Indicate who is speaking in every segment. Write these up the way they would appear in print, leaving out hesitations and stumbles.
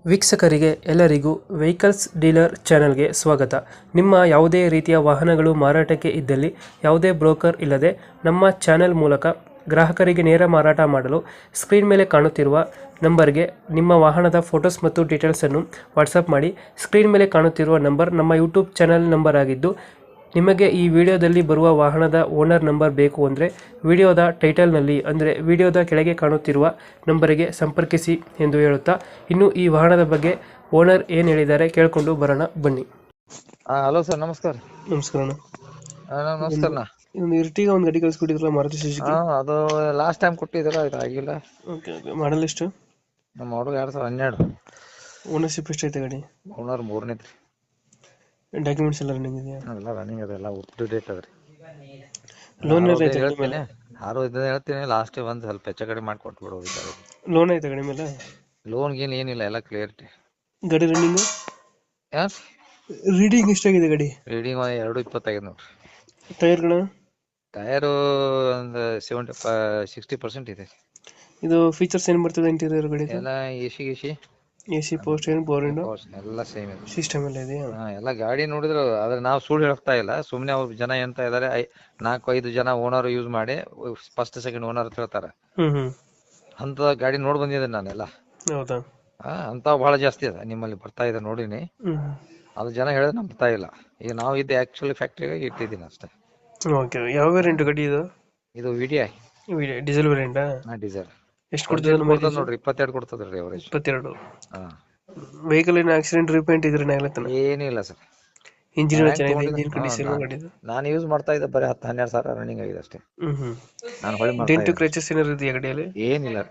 Speaker 1: ವೀಕ್ಷಕರಿಗೆ ಎಲ್ಲರಿಗೂ vehicles dealer ಚಾನೆಲ್ಗೆ ಸ್ವಾಗತ. ನಿಮ್ಮ ಯಾವುದೇ ರೀತಿಯ ವಾಹನಗಳು ಮಾರಾಟಕ್ಕೆ ಇದ್ದಲ್ಲಿ ಯಾವುದೇ ಬ್ರೋಕರ್ ಇಲ್ಲದೆ ನಮ್ಮ ಚಾನೆಲ್ ಮೂಲಕ ಗ್ರಾಹಕರಿಗೆ ನೇರ ಮಾರಾಟ ಮಾಡಲು ಸ್ಕ್ರೀನ್ ಮೇಲೆ ಕಾಣುತ್ತಿರುವ ನಂಬರ್ಗೆ ನಿಮ್ಮ ವಾಹನದ ಫೋಟೋಸ್ ಮತ್ತು ಡೀಟೇಲ್ಸನ್ನು ವಾಟ್ಸಪ್ ಮಾಡಿ. ಸ್ಕ್ರೀನ್ ಮೇಲೆ ಕಾಣುತ್ತಿರುವ ನಂಬರ್ ನಮ್ಮ ಯೂಟ್ಯೂಬ್ ಚಾನೆಲ್ ನಂಬರ್ ಆಗಿದ್ದು, ನಿಮಗೆ ಈ ವಿಡಿಯೋದಲ್ಲಿ ಬರುವ ವಾಹನದ ಓನರ್ ನಂಬರ್ ಬೇಕು ಅಂದರೆ ವಿಡಿಯೋದ ಟೈಟಲ್ನಲ್ಲಿ ಅಂದರೆ ವಿಡಿಯೋದ ಕೆಳಗೆ ಕಾಣುತ್ತಿರುವ ನಂಬರಿಗೆ ಸಂಪರ್ಕಿಸಿ ಎಂದು ಹೇಳುತ್ತಾ, ಇನ್ನು ಈ ವಾಹನದ ಬಗ್ಗೆ ಓನರ್ ಏನು ಹೇಳಿದ್ದಾರೆ ಕೇಳಿಕೊಂಡು ಬರೋಣ ಬನ್ನಿ.
Speaker 2: ಹಲೋ ಸರ್, ನಮಸ್ಕಾರ.
Speaker 1: ನಮಸ್ಕಾರ ಅಣ್ಣ.
Speaker 2: ನಮಸ್ಕಾರ.
Speaker 1: ಒಂದು ಇರ್ಟಿಗ ಒಂದು ಗಾಡಿ ಕಳಿಸ್ಕೊಟ್ಟಿದ್ರಲ್ಲ, ಮಾರುತಿ ಸುಜುಕಿ.
Speaker 2: ಅದು ಲಾಸ್ಟ್ ಟೈಮ್ ಕೊಟ್ಟಿದ್ದೀರಾ, ಇದು ಆಗಿಲ್ಲ.
Speaker 1: Okay okay. ಮಾಡಲ್ ಎಷ್ಟು?
Speaker 2: ನಮ್ಮ ಹುಡುಗ 2012.
Speaker 1: ಓನರ್ಶಿಪ್ ಎಷ್ಟೈತೆ ಗಾಡಿ?
Speaker 2: ಓನರ್ 3ನೇತ್ರಿ.
Speaker 1: ಡಾಕ್ಯುಮೆಂಟ್ಸ್ ಎಲ್ಲ ರನ್ನಿಂಗ್ ಇದೆಯಾ?
Speaker 2: ಎಲ್ಲ ರನ್ನಿಂಗ್ ಅದ, ಎಲ್ಲ ಅಪ್ ಟು ಡೇಟ್ ಅದ್ರಿ.
Speaker 1: ಲೋನ್
Speaker 2: ಹೇಳ್ತೀನಿ, 6 ಹೇಳ್ತೀನಿ. ಲಾಸ್ಟ್ ಒಂದು ಸ್ವಲ್ಪ ಹೆಚ್ಚು ಕಡಿಮೆ ಮಾಡಿ ಕೊಟ್ಬಿಡೋದು.
Speaker 1: ಲೋನ್ ಐತೆ ಗಾಡಿ ಮೇಲೆ?
Speaker 2: ಲೋನ್ ಗೀನ್ ಏನಿಲ್ಲ, ಎಲ್ಲ ಕ್ಲಿಯರಿಟಿ.
Speaker 1: ಗಾಡಿ ರನ್ನಿಂಗ್ ರೀಡಿಂಗ್ ಎಷ್ಟಾಗಿದೆ ಗಾಡಿ?
Speaker 2: ರೀಡಿಂಗ್ 2.25 ನೋಡ್ರಿ.
Speaker 1: ಟೈರ್ಗಳು?
Speaker 2: ಟೈರು ಒಂದು 60% ಇದೆ.
Speaker 1: ಇದು ಫೀಚರ್ಸ್ ಏನು ಬರ್ತದೆ ಇಂಟೀರಿಯರ್ ಗಾಡಿ?
Speaker 2: ಎಲ್ಲ ಎಸಿ
Speaker 1: ಪೋಸ್ಟ್ ಏನು ಬೋರ್ ವಿಂಡೋ
Speaker 2: ಎಲ್ಲ ಸೇಮ್ ಇದೆ.
Speaker 1: ಸಿಸ್ಟಮ್ ಎಲ್ಲ ಇದೆಯಾ?
Speaker 2: ಎಲ್ಲ ಗಾಡಿ ನೋಡಿದ್ರು, ಆದ್ರೆ ನಾವು ಸುಳ್ಳು ಹೇಳ್ತಾ ಇಲ್ಲ. ಸುಮ್ನೆ ಅವ್ರ ಜನ ಎಂತ ಇದಾರೆ, 4-5 ಜನ ಓನರ್ ಯೂಸ್ ಮಾಡಿ ಫಸ್ಟ್ ಸೆಕೆಂಡ್ ಓನರ್ ಹೇಳ್ತಾರೆ. ಅಂತ ಗಾಡಿ ನೋಡ್ ಬಂದಿದ್ದೇನೆ ನಾನೆಲ್ಲ.
Speaker 1: ಹೌದಾ?
Speaker 2: ಅಂತ ಬಹಳ ಜಾಸ್ತಿ ಅದ ನಿಮ್ಮಲ್ಲಿ ಬರ್ತಾ ಇದೆ ನೋಡಿನಿ. ಅದು ಜನ ಹೇಳಿದ್ರೆ ನಂಬ್ತಾ ಇಲ್ಲ. ಈಗ ನಾವು ಇದು ಆಕ್ಚುಲಿ ಫ್ಯಾಕ್ಟ್ರಿಗೆ ಇಟ್ಟಿದ್ದೀನಿ ಅಷ್ಟೇ.
Speaker 1: ಓಕೆ. ಯಾವ ವೇರಿಯಂಟ್ ಗಾಡಿ ಇದು?
Speaker 2: ಇದು ವಿಡಿಐ
Speaker 1: ಡೀಸೆಲ್ ವೇರಿಯಂಟಾ?
Speaker 2: ಡೀಸೆಲ್.
Speaker 1: ಎಷ್ಟು ಕೊಡ್ತದೆ
Speaker 2: ನೋಡ್ರಿ, 22 ಕೊಡ್ತದ್ರಿ ಅವರೇಜ್.
Speaker 1: 22. ವೆಹಿಕಲ್ ಏನು ಆಕ್ಸಿಡೆಂಟ್ ರಿಪೇಂಟ್ ಇದ್ರೆ
Speaker 2: ಏನಿಲ್ಲ ಸರ್.
Speaker 1: ಇಂಜಿನ್ ಚೆನ್ನಾಗಿದೆ, ಇಂಜಿನ್ ಕಂಡೀಷನ್ ಗಾಡಿದು.
Speaker 2: ನಾನು ಯೂಸ್ ಮಾಡ್ತಾ ಇದ್ದೆ, ಬರೀ 10-12 ಸಾವಿರ ರನ್ನಿಂಗ್ ಆಗಿದೆ ಅಷ್ಟೇ. ನಾನು ಹೊಳೆ
Speaker 1: ಡೆಂಟು ಕ್ರಚಸ್ ಏನಾರು ಇದೆಯಾ ಗಾಡಿಯಲ್ಲಿ?
Speaker 2: ಏನಿಲ್ಲ.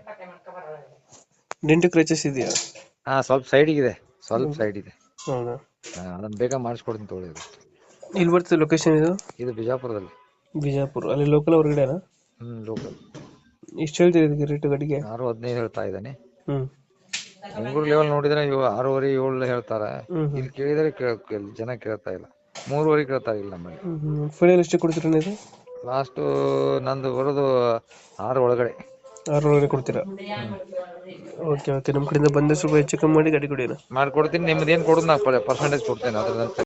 Speaker 1: ಡೆಂಟು ಕ್ರಚಸ್ ಇದೆಯಾ?
Speaker 2: ಸ್ವಲ್ಪ ಸೈಡ್ ಇದೆ, ಸ್ವಲ್ಪ ಸೈಡ್ ಇದೆ.
Speaker 1: ಹೌದಾ?
Speaker 2: ಅದನ್ನ ಬೇಗ ಮಾಡಿಸ್ಕೊಡ್ತೀನಿ ತೊಗೊಳ್ಳಿ.
Speaker 1: ಇಲ್ಲಿ ಬರ್ತದೆ ಲೊಕೇಶನ್ ಇದು?
Speaker 2: ಇದು ಬಿಜಾಪುರದಲ್ಲಿ.
Speaker 1: ಬಿಜಾಪುರ ಅಲ್ಲಿ ಲೋಕಲ್ ಹೊರಗಡೆನಾ?
Speaker 2: ಲೋಕಲ್.
Speaker 1: ಎಷ್ಟು ಹೇಳ್ತೀರಿ ಇದಕ್ಕೆ ರೇಟ್ ಗಾಡಿಗೆ?
Speaker 2: 6-15 ಹೇಳ್ತಾ ಇದ್ದಾನೆ. ಬೆಂಗಳೂರು ಲೆವೆಲ್ ನೋಡಿದ್ರೆ 6.5-7 ಹೇಳ್ತಾರೆ. ಇಲ್ಲಿ ಕೇಳಿದ್ರೆ ಜನ ಕೇಳ್ತಾ ಇಲ್ಲ, 3.5 ಕೇಳ್ತಾ ಇಲ್ಲ ನಮ್ಮಲ್ಲಿ.
Speaker 1: ಫೈನಲ್ ಎಷ್ಟು ಕೊಡ್ತೀರಾ ಇದು?
Speaker 2: ಲಾಸ್ಟ್ ನಂದು ಬರೋದು 6 ಒಳಗಡೆ.
Speaker 1: 6 ಒಳಗಡೆ ಕೊಡ್ತೀರಾ? Okay okay. ನಮ್ಮ ಕಡೆಯಿಂದ ಬಂದರೆ ಸ್ವಲ್ಪ ಹೆಚ್ಚು ಕಮ್ಮಿ ಮಾಡಿ ಗಾಡಿ ಕೊಡಿ.
Speaker 2: ಮಾಡ್ಕೊಡ್ತೀನಿ. ನಿಮ್ದು ಏನು ಕೊಡೋದು, ನಾ ಪರ್ಸೆಂಟೇಜ್ ಕೊಡ್ತೇನೆ ಅದ್ರದಂತ.